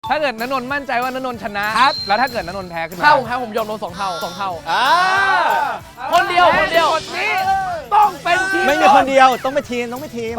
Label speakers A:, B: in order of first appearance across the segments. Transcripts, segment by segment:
A: ถ้าเกิดณนนท์มั่นใจว่าณนนท์ชนะแล้วถ้าเกิดณนนท์แพ้ขึ้นมา
B: ถ้าผมยอมโดน2 เท่าคนเดียวนี้ต้องเป็นทีม
C: ไม่มีคนเดียวต้องเป็นทีม
B: ต้องเป็นทีม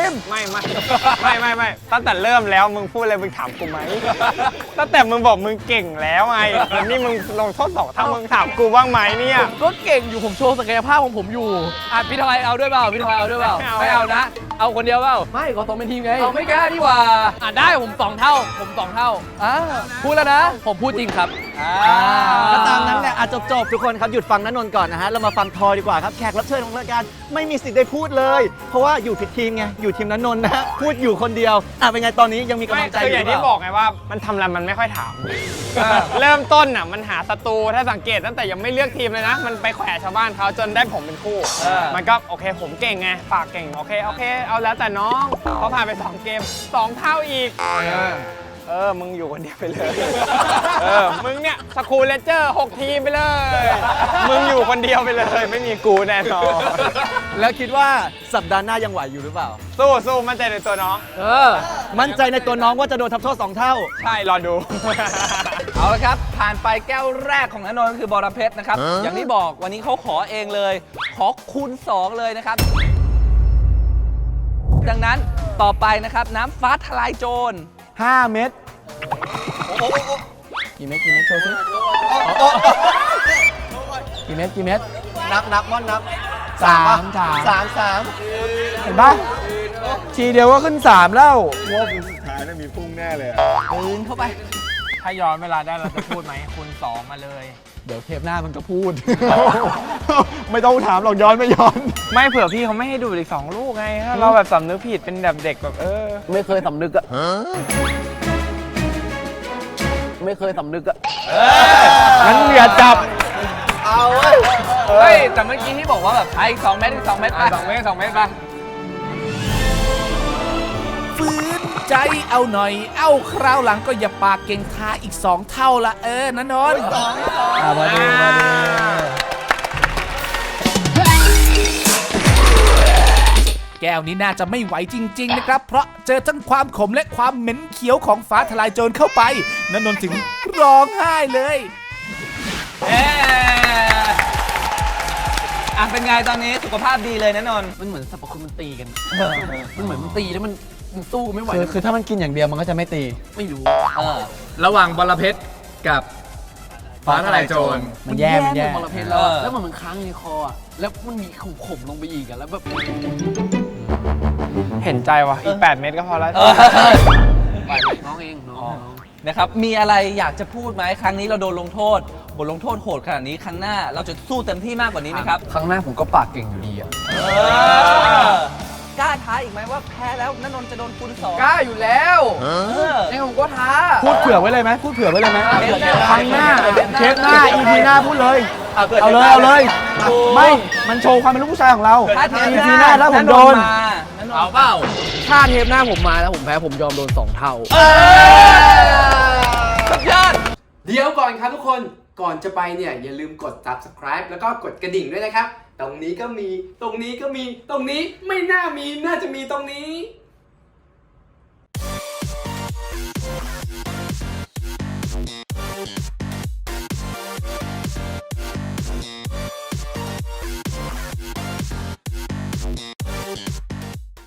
D: ไม่ตั้งแต่เริ่มแล้วมึงพูดอะไรมึงถามกูไหมตั้งแต่มึงบอกมึงเก่งแล้วไงแล้วนี่มึงลงโทษ2 เท่ามึงถามกูบ้างไหมเนี่ย
B: ก็เก่งอยู่ผมโชว์ศักยภาพของผมอยู่
A: พี่ทอยเอาด้วยเปล่าไม่เอานะเอาคนเดียวเปล่า
B: ไม่ก็ต้องเป็นทีมไง
A: เอาไม่กล้าดีกว่า
B: ได้ผม2 เท่า
A: พูดแล้วนะ
B: ผมพูดจริงครับ
C: ก็ตามนั้นแหละจบทุกคนครับหยุดฟังณนนท์ก่อนนะฮะเรามาฟังทอยดีกว่าครับแขกรับเชิญของรายการไม่มีสิทธิ์ได้พูดเลยเพราะว่าอยู่ผิดทีมไงอยู่ทีมณนนท์นะพูดอยู่คนเดียวเป็นไงตอนนี้ยังมีกำลังใจอยู่
D: อย่างที่บอกไงว่ามันทำอะไรมันไม่ค่อยถามเริ่มต้นมันหาศัตรูถ้าสังเกตตั้งแต่ยังไม่เลือกทีมเลยนะมันไปแขวะชาวบ้านเขาจนได้ผมเป็นคู่มันก็โอเคผมเก่งไงฝากเก่งโอเคเอาแล้วแต่น้องเขาผ่านไป2 เกม 2 เท่าอีกมึงอยู่คนเดียวไปเลยมึงเนี่ยสกูเลเจอร์6 ทีมไปเลยมึงอยู่คนเดียวไปเลยไม่มีกูแน่นอน
C: แล้วคิดว่าสัปดาห์หน้ายังไหวอยู่หรือเปล่า
D: สู้มั่นใจในตัวน้อง
C: มั่นใจในตัวน้องว่าจะโดนทำโทษ2 เท่า
D: ใช่รอดู
A: เอาละครับผ่านไปแก้วแรกของณนนท์ก็คือบรเพชรนะครับอย่างที่บอกวันนี้เขาขอเองเลยขอคูณ2เลยนะครับดังนั้นต่อไปนะครับน้ำฟ้าทลายโจร
C: 5 เม็ด
B: กี่เม็ดโชว์สิกี่เม็ด
C: นับม่อนนับ3
B: เห็นปะทีเดียวก็ขึ้น3แล้ว
E: ว่าคือสุดท้ายน่ะมีพุ่งแน่เลย
A: ปืนเข้าไป
D: ถ้าย้อนเวลาได้เราจะพูดไหมคูณ2มาเลย
B: เดี๋ยวเทปหน้ามันก็พูด
E: ไม่ต้องถามหรอกย้อนไม่ย้อน
D: ไม่เผื่อพี่เขาไม่ให้ดูอีก2 ลูกไงถ้าเราแบบสำนึกผิดเป็นแบบเด็กแบบ
B: ไม่เคยสำนึกอะไม่เคยสำนึกอะ
D: งั้นอย่าจับ
A: เอาเฮ้ยแต่เมื่อกี้ที่บอกว่าแบบไอ้2 เม็ด2 เม็ดไป2 เม็ดไป
F: ฟื้นใจเอาหน่อยคราวหลังก็อย่าปากเก่งท้าอีก2 เท่าละณนนท์
B: มาดี
F: แก้วนี้น่าจะไม่ไหวจริงๆนะครับเพราะเจอทั้งความขมและความเหม็นเขียวของฟ้าทลายโจรเข้าไปณนนท์ถึงร้องไห้เลย
A: เป็นไงตอนนี้สุขภาพดีเลยณนนท์
B: มันเหมือนสรรพคุณมันตีกันมันเหมือนมันตีแล้วมันสู้ไม่ไหว
C: คือถ้ามันกินอย่างเดียวมันก็จะไม่ตี
B: ไม่รู้
A: ระหว่างบรเพชรกับฟ้าทลายโจร
B: มันแย่บรเพชรแล้วมันค้างในคอแล้วมันมีขมลงไปอีกแล้วแบบ
D: เห็นใจว่ะอีก8 เม็ดก็พอแล้ว
B: น้องเองน้อง
A: นะครับมีอะไรอยากจะพูดไหมครั้งนี้เราโดนลงโทษบทลงโทษโหดขนาดนี้ครั้งหน้าเราจะสู้เต็มที่มากกว่านี้ไหมครับ
B: ครั้งหน้าผมก็ปากเก่งอยู่ดี
A: กล้าท้าอีกไหมว่าแพ้แล้วณนนท์จะโดนคูณ2
B: กล้าอยู่แล้วนี่ผมก็ท้า
C: พูดเผื่อไว้เลยไหมครั้งหน้าเทปหน้า EP หน้าพูดเลยเอาเลยไม่มันโชว์ความเป็นลูกผู้ชายของเรา EP หน้าแล้วผมโดน
A: เอาเปล่า
B: ถ้าเทปหน้าผมมาแล้วผมแพ้ผมยอมโดน2 เท่า
A: สุดยอด
G: เดี๋ยวก่อนครับทุกคนก่อนจะไปเนี่ยอย่าลืมกด subscribe แล้วก็กดกระดิ่งด้วยนะครับตรงนี้ก็มีตรงนี้ก็มีตรงนี้ไม่น่ามีน่าจะมีตรงนี้